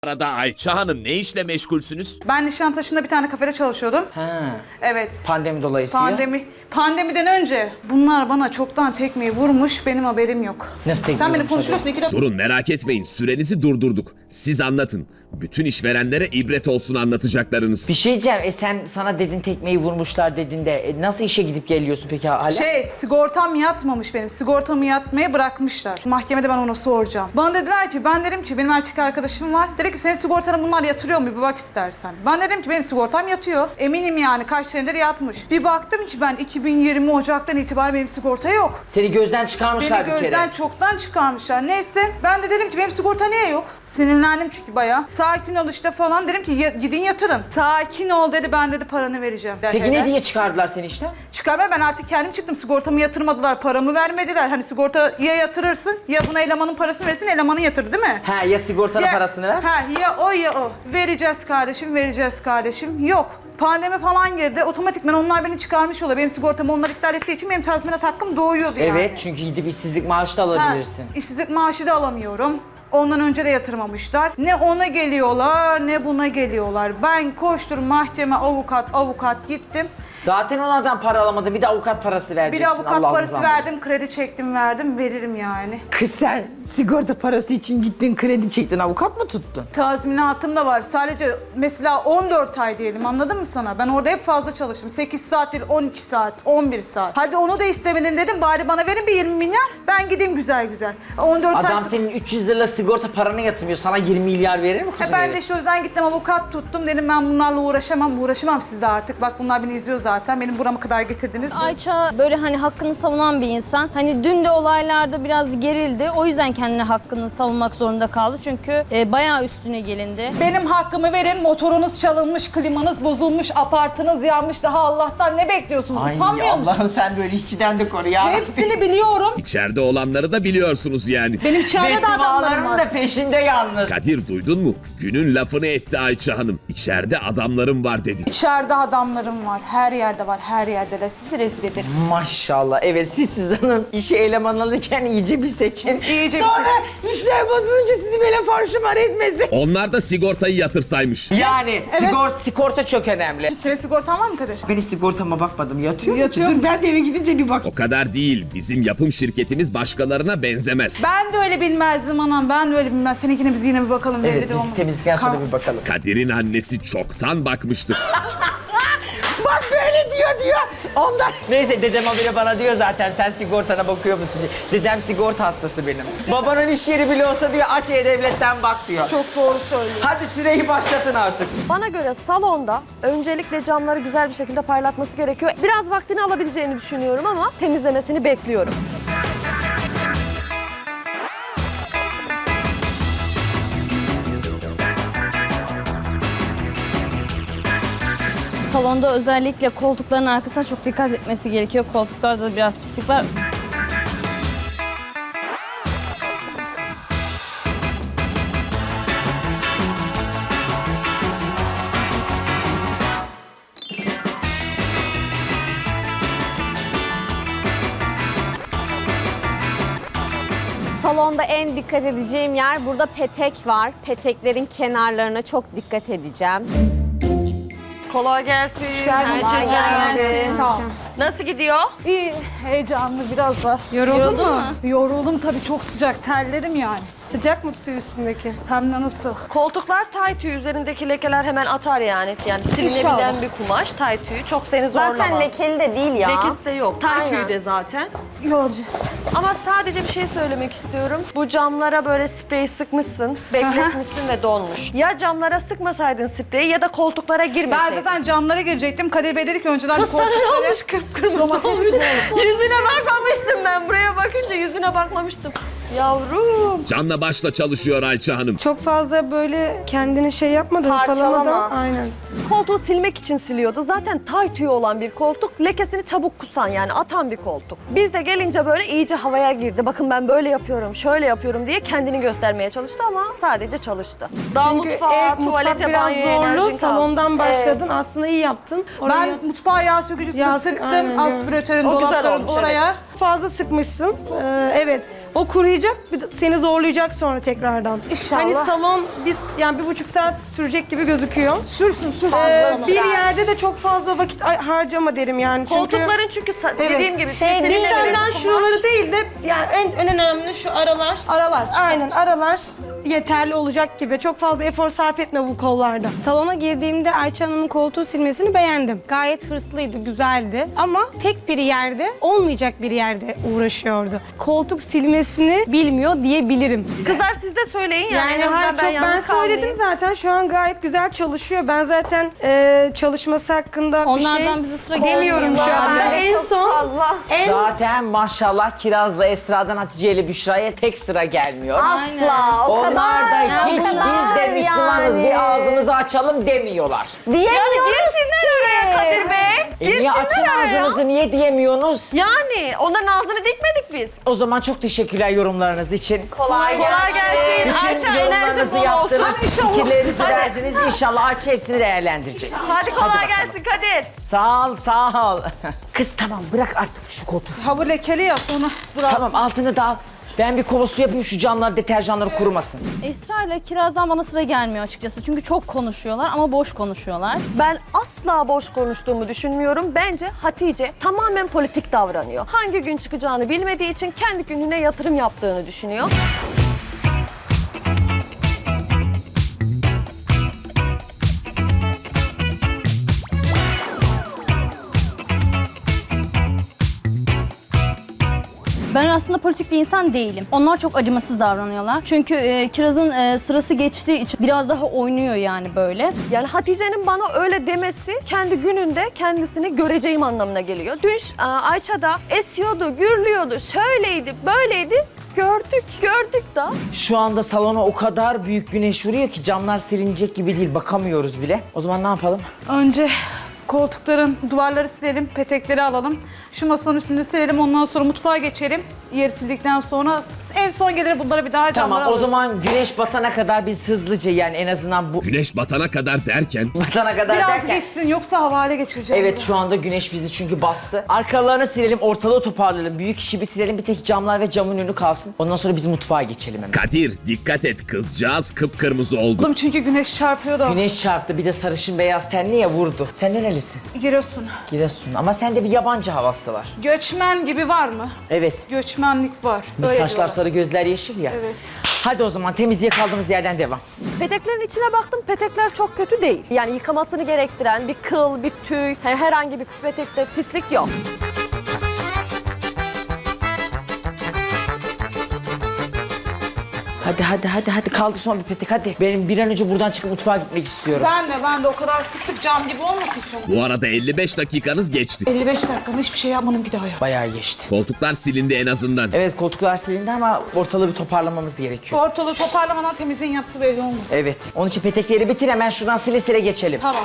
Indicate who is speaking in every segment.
Speaker 1: Arada Ayça Hanım ne işle meşgulsünüz?
Speaker 2: Ben Nişantaşı'nda bir tane kafede çalışıyordum.
Speaker 3: Ha.
Speaker 2: Evet.
Speaker 3: Pandemi dolayısıyla.
Speaker 2: Pandemiden önce bunlar bana çoktan tekmeyi vurmuş, benim haberim yok.
Speaker 3: Nasıl tekmeyi
Speaker 2: Sen beni
Speaker 3: vurmuş
Speaker 2: konuşuyorsun, iki dakika.
Speaker 1: Durun merak etmeyin, sürenizi durdurduk. Siz anlatın. Bütün işverenlere ibret olsun anlatacaklarınız.
Speaker 3: Bir şey diyeceğim. Sen sana dedin tekmeyi vurmuşlar dedin de nasıl işe gidip geliyorsun peki hala?
Speaker 2: Sigortam yatmamış benim. Sigortamı yatmaya bırakmışlar. Mahkemede ben onu soracağım. Bana dediler ki, ben dedim ki benim erkek arkadaşım var. Dedi ki senin sigortana bunlar yatırıyor mu? Bir bak istersen. Ben dedim ki benim sigortam yatıyor. Eminim yani kaç senedir yatmış. Bir baktım ki ben 2020 Ocak'tan itibaren benim sigorta yok.
Speaker 3: Seni gözden çıkarmışlar
Speaker 2: Beni
Speaker 3: bir
Speaker 2: gözden
Speaker 3: kere.
Speaker 2: çoktan çıkarmışlar. Neyse ben de dedim ki benim sigorta niye yok? Sinirlendim çünkü bayağı. Sakin ol işte falan, dedim ki gidin yatırın. Sakin ol dedi, ben dedi paranı vereceğim.
Speaker 3: Peki ne diye çıkardılar seni işten?
Speaker 2: Çıkarma, ben artık kendim çıktım. Sigortamı yatırmadılar, paramı vermediler. Hani sigorta ya yatırırsın ya buna elemanın parasını verirsin, elemanı yatır değil mi?
Speaker 3: Ha, ya sigortanın parasını ver.
Speaker 2: Ha, ya o ya o. Vereceğiz kardeşim, vereceğiz kardeşim. Yok. Pandemi falan girdi. Otomatikman onlar beni çıkarmış oluyor. Benim sigortamı onlar iptal ettiği için benim tazminat hakkım doğuyordu yani.
Speaker 3: Evet, çünkü gidip işsizlik maaşı da alabilirsin.
Speaker 2: İşsizlik maaşı da alamıyorum. Ondan önce de yatırmamışlar. Ne ona geliyorlar ne buna geliyorlar. Ben koştum mahkeme, avukat gittim.
Speaker 3: Zaten onlardan para alamadın, bir de avukat parası
Speaker 2: Bir
Speaker 3: vereceksin.
Speaker 2: de avukat
Speaker 3: Allah'ım
Speaker 2: parası
Speaker 3: zahmet.
Speaker 2: verdim, kredi çektim verdim, veririm yani.
Speaker 3: Kız sen sigorta parası için gittin, kredi çektin, avukat mı tuttun?
Speaker 2: Tazminatım da var. Sadece mesela 14 ay diyelim, anladın mı sana? Ben orada hep fazla çalıştım. 8 saat değil, 12 saat, 11 saat. Hadi onu da istemedim dedim, bari bana verin bir 20 milyar. Ben gideyim güzel güzel. 14 ay...
Speaker 3: Adam senin 300 liralık sigorta paranı yatırmıyor, sana 20 milyar verir mi kızım?
Speaker 2: Ben de işte o yüzden gittim avukat tuttum, dedim ben bunlarla uğraşamam sizle artık. Bak bunlar beni izliyor zaten, benim burama kadar getirdiniz.
Speaker 4: Ayça böyle hani hakkını savunan bir insan. Hani dün de olaylarda biraz gerildi. O yüzden kendine hakkını savunmak zorunda kaldı. Çünkü bayağı üstüne gelindi.
Speaker 2: Benim hakkımı verin, motorunuz çalınmış, klimanız bozulmuş, apartınız yanmış, daha Allah'tan ne bekliyorsunuz?
Speaker 3: Ay
Speaker 2: Utanmıyor musunuz?
Speaker 3: Allah'ım sen böyle işçiden de koru ya.
Speaker 2: Hepsini biliyorum.
Speaker 1: İçeride olanları da biliyorsunuz yani.
Speaker 2: Benim çağrıda da adamlarım
Speaker 3: Beddualarım
Speaker 2: var.
Speaker 3: da peşinde yalnız.
Speaker 1: Kadir duydun mu? Günün lafını etti Ayça Hanım. İçeride adamlarım var dedi.
Speaker 2: İçeride adamlarım var, her yerde var, her yerdeler. Sizi rezil ederim.
Speaker 3: Maşallah. Evet, siz Suzan'ın işe eleman alırken iyice bir seçin.
Speaker 2: İyice bir
Speaker 3: Sonra işler bozulunca sizi böyle farşumar etmesin.
Speaker 1: Onlar da sigortayı yatırsaymış.
Speaker 3: Yani sigorta çok önemli.
Speaker 2: Senin sigortan var mı Kadir?
Speaker 3: Ben hiç sigortama bakmadım. Yatıyor mu?
Speaker 2: Yatıyor.
Speaker 3: Dur ben de eve gidince bir bak.
Speaker 1: O kadar değil. Bizim yapım şirketimiz başkalarına benzemez.
Speaker 2: Ben de öyle bilmezdim anam, ben de öyle bilmez. Seninkine biz yine bir bakalım.
Speaker 3: Evet,
Speaker 2: belli de
Speaker 3: biz
Speaker 2: olmasın.
Speaker 3: temizlikten sonra
Speaker 2: Kan-
Speaker 3: bir bakalım.
Speaker 1: Kadir'in annesi çoktan bakmıştır.
Speaker 3: Bak böyle diyor. Ondan. Neyse dedem habire bana diyor zaten sen sigortana bakıyor musun diye. Dedem sigorta hastası benim. Babanın iş yeri bile olsa diyor aç E-Devlet'ten bak diyor.
Speaker 2: Çok doğru söylüyor.
Speaker 3: Hadi süreyi başlatın artık.
Speaker 5: Bana göre salonda öncelikle camları güzel bir şekilde parlatması gerekiyor. Biraz vaktini alabileceğini düşünüyorum ama temizlemesini bekliyorum.
Speaker 4: Salonda özellikle koltukların arkasına çok dikkat etmesi gerekiyor. Koltuklarda da biraz pislik var.
Speaker 6: Salonda en dikkat edeceğim yer burada petek var. Peteklerin kenarlarına çok dikkat edeceğim.
Speaker 5: Kolay gelsin.
Speaker 6: Kolay gelsin.
Speaker 2: Sağ ol.
Speaker 5: Nasıl gidiyor?
Speaker 2: İyi, heyecanlı biraz da.
Speaker 5: Yoruldun mu?
Speaker 2: Yoruldum tabii, çok sıcak, terledim yani.
Speaker 5: Sıcak mı tutuyor üstündeki?
Speaker 2: Hem de nasıl?
Speaker 5: Koltuklar tay tüyü, üzerindeki lekeler hemen atar yani. Yani silinebilen
Speaker 2: İnşallah.
Speaker 5: bir kumaş tay tüyü. Çok seni zorlamaz.
Speaker 6: Zaten lekeli de değil ya.
Speaker 5: Lekesi de yok. Tay
Speaker 6: Aynen.
Speaker 5: tüyü de zaten.
Speaker 2: Göreceğiz.
Speaker 5: Ama sadece bir şey söylemek istiyorum. Bu camlara böyle sprey sıkmışsın, bekletmişsin ve donmuş. Ya camlara sıkmasaydın spreyi ya da koltuklara
Speaker 2: Ben
Speaker 5: girmeseydin.
Speaker 2: zaten camlara girecektim. Kadir Bey dedi ki önceden
Speaker 5: Kız sana ne
Speaker 2: koltukları...
Speaker 5: olmuş, kıpkırmızı
Speaker 2: Domates
Speaker 5: olmuş.
Speaker 2: güzel
Speaker 5: Yüzüne bakmamıştım ben. Buraya bakınca yüzüne bakmamıştım. Yavrum.
Speaker 1: Canla başla çalışıyor Ayça Hanım.
Speaker 7: Çok fazla böyle kendini şey yapmadan,
Speaker 6: Parçalama.
Speaker 7: hırpalamadan. Aynen.
Speaker 5: Koltuğu silmek için siliyordu. Zaten tay tüyü olan bir koltuk. Lekesini çabuk kusan yani atan bir koltuk. Biz de gelince böyle iyice havaya girdi. Bakın ben böyle yapıyorum, şöyle yapıyorum diye kendini göstermeye çalıştı ama sadece çalıştı. Daha
Speaker 7: Çünkü
Speaker 5: mutfağa,
Speaker 7: mutfak
Speaker 5: tuvalete,
Speaker 7: biraz
Speaker 5: banyoya
Speaker 7: zorlu.
Speaker 5: enerjin kaldı.
Speaker 7: Salondan başladın. Aslında iyi yaptın. Oraya
Speaker 2: Ben mutfağa yağ sökücüsünü
Speaker 7: Yağ-
Speaker 2: sıktım.
Speaker 7: aynen,
Speaker 2: Aspiratörün,
Speaker 5: O güzel
Speaker 2: dolapların
Speaker 5: olmuş,
Speaker 2: oraya.
Speaker 7: fazla sıkmışsın. Evet. O kuruyacak, seni zorlayacak sonra tekrardan.
Speaker 2: İnşallah.
Speaker 7: Hani salon biz yani 1,5 saat sürecek gibi gözüküyor.
Speaker 2: Sürsün.
Speaker 7: Bir yerde de çok fazla vakit harcama derim yani. Çünkü
Speaker 5: Koltukların çünkü dediğim gibi
Speaker 7: biz
Speaker 5: seninle
Speaker 7: senden şuraları değil de yani en önemli şu aralar.
Speaker 2: Aralar çıkar.
Speaker 7: Aynen aralar yeterli olacak gibi. Çok fazla efor sarf etme bu kollarda.
Speaker 8: Salona girdiğimde Ayça Hanım'ın koltuğu silmesini beğendim. Gayet hırslıydı, güzeldi. Ama tek bir yerde, olmayacak bir yerde uğraşıyordu. Koltuk silmesini bilmiyor diyebilirim.
Speaker 5: Kızlar siz de söyleyin yani.
Speaker 7: Yani
Speaker 5: en azından
Speaker 7: ben
Speaker 5: yalnız
Speaker 7: söyledim
Speaker 5: kalmayayım.
Speaker 7: zaten şu an gayet güzel çalışıyor. Ben zaten çalışması hakkında
Speaker 4: Onlardan
Speaker 7: bir şey
Speaker 4: bize sıra
Speaker 7: demiyorum şu
Speaker 4: gelmiyor.
Speaker 7: an.
Speaker 4: Yani
Speaker 7: En son
Speaker 3: Zaten maşallah Kiraz'la Esra'dan Hatice ile Büşra'ya tek sıra gelmiyor.
Speaker 6: Asla. O
Speaker 3: Onlar
Speaker 6: kadar.
Speaker 3: da
Speaker 6: o
Speaker 3: hiç biz
Speaker 6: kadar
Speaker 3: de Müslümanız
Speaker 6: yani.
Speaker 3: bir ağzımızı açalım demiyorlar.
Speaker 6: Diyemiyoruz
Speaker 5: Girsinler oraya Kadir Bey.
Speaker 3: Niye açın ağzınızı niye diyemiyorsunuz?
Speaker 5: Yani onların ağzını dikmedik biz.
Speaker 3: O zaman çok teşekkürler yorumlarınız için.
Speaker 6: Kolay
Speaker 5: Kolay gelsin.
Speaker 3: Bütün
Speaker 5: Ayça enerji
Speaker 3: yorumlarınızı
Speaker 5: bol olsun.
Speaker 3: yaptınız,
Speaker 5: İnşallah.
Speaker 3: fikirlerinizi
Speaker 5: Hadi.
Speaker 3: verdiniz. İnşallah Ayça hepsini değerlendirecek.
Speaker 5: Hadi kolay
Speaker 3: bakalım.
Speaker 5: gelsin Kadir.
Speaker 3: Sağ ol, sağ ol. Kız tamam bırak artık şu koltuğu.
Speaker 2: Ha bu lekeli ya sonra. Dur abi.
Speaker 3: Tamam altını da al. Ben bir kova su yapayım şu camlar, deterjanları kurumasın.
Speaker 4: Esra ile Kiraz'dan bana sıra gelmiyor açıkçası. Çünkü çok konuşuyorlar ama boş konuşuyorlar.
Speaker 5: Ben asla boş konuştuğumu düşünmüyorum. Bence Hatice tamamen politik davranıyor. Hangi gün çıkacağını bilmediği için kendi gününe yatırım yaptığını düşünüyor.
Speaker 4: Ben aslında politik bir insan değilim. Onlar çok acımasız davranıyorlar. Çünkü Kiraz'ın sırası geçtiği için biraz daha oynuyor yani böyle.
Speaker 5: Yani Hatice'nin bana öyle demesi kendi gününde kendisini göreceğim anlamına geliyor. Dün Ayça da esiyordu, gürlüyordu, şöyleydi, böyleydi. Gördük da.
Speaker 3: Şu anda salona o kadar büyük güneş vuruyor ki camlar silinecek gibi değil, bakamıyoruz bile. O zaman ne yapalım?
Speaker 2: Önce koltukların duvarları silelim, petekleri alalım. Şu masanın üstünü silelim, ondan sonra mutfağa geçelim. Yeri sildikten sonra en son gelir bunları bir daha camlara
Speaker 3: Tamam o
Speaker 2: alırız.
Speaker 3: zaman güneş batana kadar biz hızlıca yani en azından bu
Speaker 1: Güneş batana kadar derken
Speaker 3: batana kadar
Speaker 2: Biraz
Speaker 3: derken.
Speaker 2: geçsin yoksa havale geçireceğim.
Speaker 3: Evet şu anda güneş bizi çünkü bastı. Arkalarını silelim, ortalığı toparlayalım. Büyük işi bitirelim, bir tek camlar ve camın önü kalsın. Ondan sonra biz mutfağa geçelim hemen.
Speaker 1: Kadir dikkat et kızcağız kıpkırmızı oldu.
Speaker 2: Oğlum çünkü güneş çarpıyor da.
Speaker 3: Güneş çarptı bir de sarışın beyaz tenli ya vurdu. Sen nerelisin?
Speaker 2: Giriyorsun.
Speaker 3: Giresun ama sende bir yabancı havası var.
Speaker 2: Göçmen gibi var mı?
Speaker 3: Evet.
Speaker 2: Göçmenlik var.
Speaker 3: Biz
Speaker 2: Öyle
Speaker 3: saçlar
Speaker 2: diyorlar.
Speaker 3: sarı gözler yeşil ya.
Speaker 2: Evet.
Speaker 3: Hadi o zaman temizliğe kaldığımız yerden devam.
Speaker 5: Peteklerin içine baktım, petekler çok kötü değil. Yani yıkamasını gerektiren bir kıl, bir tüy, herhangi bir petekte pislik yok.
Speaker 3: Hadi kaldı son bir petek hadi. Benim bir an önce buradan çıkıp mutfağa gitmek istiyorum.
Speaker 2: Ben de o kadar sıktık cam gibi olmasın sonra.
Speaker 1: Bu arada 55 dakikanız geçti.
Speaker 2: 55 dakikada hiçbir şey yapmadım ki daha ya.
Speaker 3: Bayağı geçti.
Speaker 1: Koltuklar silindi en azından.
Speaker 3: Evet koltuklar silindi ama ortalığı bir toparlamamız gerekiyor.
Speaker 2: Ortalığı toparlamadan temizliğin yaptığı belli olmasın.
Speaker 3: Evet. Onun için petekleri bitir hemen şuradan sile sile geçelim.
Speaker 2: Tamam.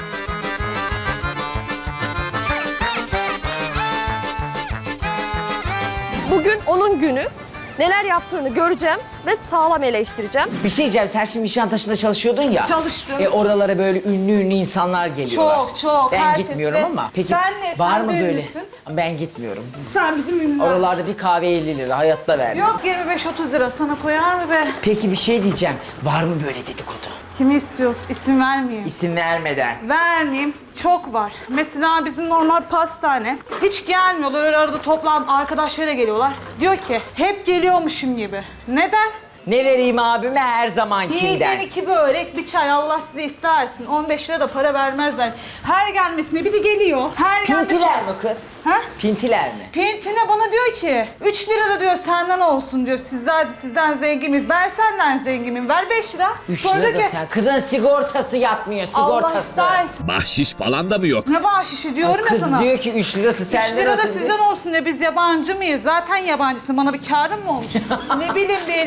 Speaker 5: Bugün onun günü. Neler yaptığını göreceğim ve sağlam eleştireceğim.
Speaker 3: Bir şey diyeceğim sen şimdi Nişantaşı'nda çalışıyordun ya.
Speaker 2: Çalıştım.
Speaker 3: Oralara böyle ünlü insanlar geliyorlar.
Speaker 2: Çok,
Speaker 3: Ben
Speaker 2: herkes
Speaker 3: gitmiyorum
Speaker 2: de.
Speaker 3: ama. Peki
Speaker 2: Sen ne?
Speaker 3: var
Speaker 2: Sen
Speaker 3: mı
Speaker 2: de
Speaker 3: böyle?
Speaker 2: ünlüsün.
Speaker 3: Ben gitmiyorum.
Speaker 2: Sen bizim ünlüler.
Speaker 3: Oralarda bir kahve 50 lira hayatta vermem.
Speaker 2: Yok 25-30 lira sana koyar mı be?
Speaker 3: Peki bir şey diyeceğim. Var mı böyle dedikodu?
Speaker 2: Kimi istiyoruz? İsim vermeyeyim.
Speaker 3: İsim vermeden.
Speaker 2: Vermeyeyim. Çok var. Mesela bizim normal pastane. Hiç gelmiyorlar. Öyle arada toplantı arkadaşlarıyla geliyorlar. Diyor ki hep geliyormuşum gibi. Neden?
Speaker 3: Ne vereyim abime her zamankinden.
Speaker 2: Yiyeceğin 2 börek, bir çay Allah size istersin. 15 lira da para vermezler. Her gelmesine biri geliyor. Her gelmesine...
Speaker 3: Pintiler mi kız?
Speaker 2: Ha?
Speaker 3: Pintiler mi?
Speaker 2: Pintine bana diyor ki 3 lira da diyor senden olsun diyor. Sizden zenginiz. Ben senden zenginim. Ver 5 lira.
Speaker 3: 3
Speaker 2: Sonra
Speaker 3: lira da
Speaker 2: ki,
Speaker 3: sen. Kızın sigortası yatmıyor
Speaker 2: Allah
Speaker 3: sigortası.
Speaker 2: istersin.
Speaker 1: Bahşiş falan da mı yok?
Speaker 2: Ne bahşişi diyorum ya
Speaker 3: Kız
Speaker 2: sana.
Speaker 3: diyor ki 3 lirası
Speaker 2: 3
Speaker 3: senden
Speaker 2: lira da
Speaker 3: olsun.
Speaker 2: sizden olsun diyor. Biz yabancı mıyız? Zaten yabancısın. Bana bir kârın mı olmuş? Ne bileyim bir 50 lira 100 lira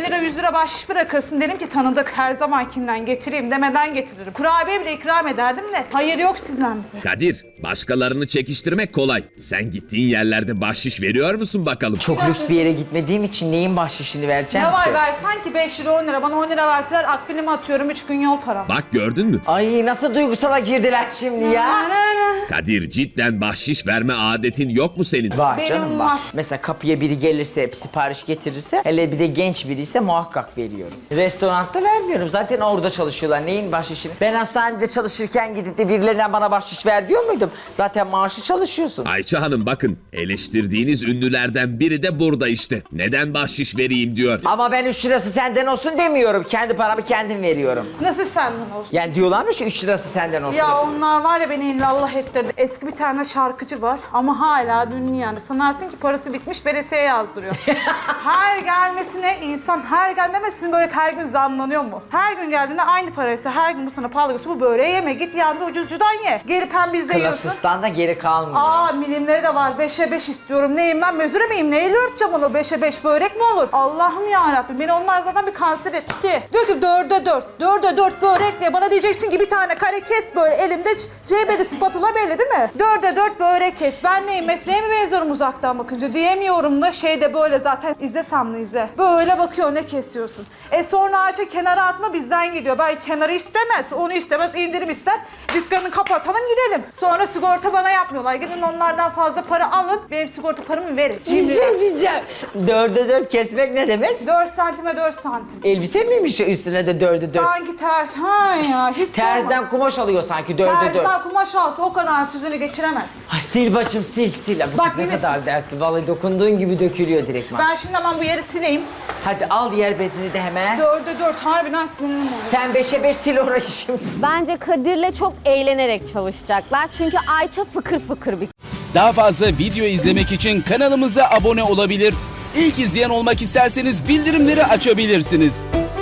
Speaker 2: para bahşiş bırakırsın. Dedim ki tanıdık, her zamankinden getireyim demeden getiririm. Kurabiye bile ikram ederdim de hayır yok sizden bize.
Speaker 1: Kadir, başkalarını çekiştirmek kolay. Sen gittiğin yerlerde bahşiş veriyor musun bakalım?
Speaker 3: Çok lüks bir yere gitmediğim için neyin bahşişini vereceğim
Speaker 2: Ne var
Speaker 3: ki?
Speaker 2: versen ki 5 lira 10 lira. Bana 10 lira verseler akbilimi atıyorum 3 gün yol param.
Speaker 1: Bak gördün mü?
Speaker 3: Ay nasıl duygusala girdiler şimdi ya.
Speaker 1: Kadir, cidden bahşiş verme adetin yok mu senin?
Speaker 3: Var
Speaker 2: Benim
Speaker 3: canım var.
Speaker 2: var.
Speaker 3: Mesela kapıya biri gelirse, sipariş getirirse, hele bir de genç biri ise muhakkak veriyorum. Restoranda vermiyorum. Zaten orada çalışıyorlar. Neyin bahşişini? Ben hastanede çalışırken gidip de birilerine bana bahşiş ver diyor muydum? Zaten maaşı çalışıyorsun.
Speaker 1: Ayça Hanım bakın, eleştirdiğiniz ünlülerden biri de burada işte. Neden bahşiş vereyim diyor.
Speaker 3: Ama ben 3 lirası senden olsun demiyorum. Kendi paramı kendim veriyorum.
Speaker 2: Nasıl senden olsun?
Speaker 3: Yani diyorlar mı şu 3 lirası senden olsun?
Speaker 2: Ya onlar var ya beni illallah ettirdi. Eski bir tane şarkıcı var ama hala ünlü yani. Sanarsın ki parası bitmiş veresiye yazdırıyor. Her gelmesine insan her gelmemesine böyle her gün zamlanıyor mu? Her gün geldiğinde aynı paraysa her gün bu sana pahalı geliyorsa bu böreği yeme git yani ucuzcudan ye. Gelip hem bizde yiyorsun.
Speaker 3: Klasistan da geri kalmıyor.
Speaker 2: Aa milimleri de var. 5'e 5 istiyorum. Neyim ben mezure miyim? Neyle örteceğim onu? 5'e 5 börek mi olur? Allah'ım yarabbim. Beni onlar zaten bir kanser etti. Diyor ki 4'e 4. 4'e 4 börek diye. Bana diyeceksin ki bir tane kare kes böyle elimde belli spatula belli değil mi? 4'e 4 börek kes. Ben neyim? Metreye mi benziyorum uzaktan bakınca? Diyemiyorum da şeyde böyle zaten izle Samlı izle. Böyle bakıyor ne kesiyorsun. Sonra Ayça kenara atma bizden gidiyor. Ben kenarı istemez. Onu istemez. İndirim ister. Dükkanı kapatalım gidelim. Sonra sigorta bana yapmıyorlar. Gidin onlardan fazla para alın. Benim sigorta paramı verin.
Speaker 3: Bir şey diyeceğim. 4'e 4 kesmek ne demek?
Speaker 2: 4 santime 4 santim.
Speaker 3: Elbise miymiş üstüne de 4'e 4?
Speaker 2: Sanki ha ya hiç
Speaker 3: Terzden kumaş alıyor sanki 4'e 4.
Speaker 2: Terzden kumaş alsa o kadar süzünü geçiremez.
Speaker 3: Ay, sil bacım sil sil. Bu
Speaker 2: Bak,
Speaker 3: kız ne
Speaker 2: yine
Speaker 3: kadar dertli. Vallahi dokunduğun gibi dökülüyor direktman.
Speaker 2: Ben şimdi hemen bu yeri sileyim.
Speaker 3: Hadi al yer bezini de hemen.
Speaker 2: 4'e 4 harbiden sinirlim oluyor.
Speaker 3: Sen 5'e 5 sil orayı şimdi.
Speaker 6: Bence Kadir'le çok eğlenerek çalışacaklar. Çünkü Ayça fıkır fıkır bir
Speaker 9: Daha fazla video izlemek için kanalımıza abone olabilir. İlk izleyen olmak isterseniz bildirimleri açabilirsiniz.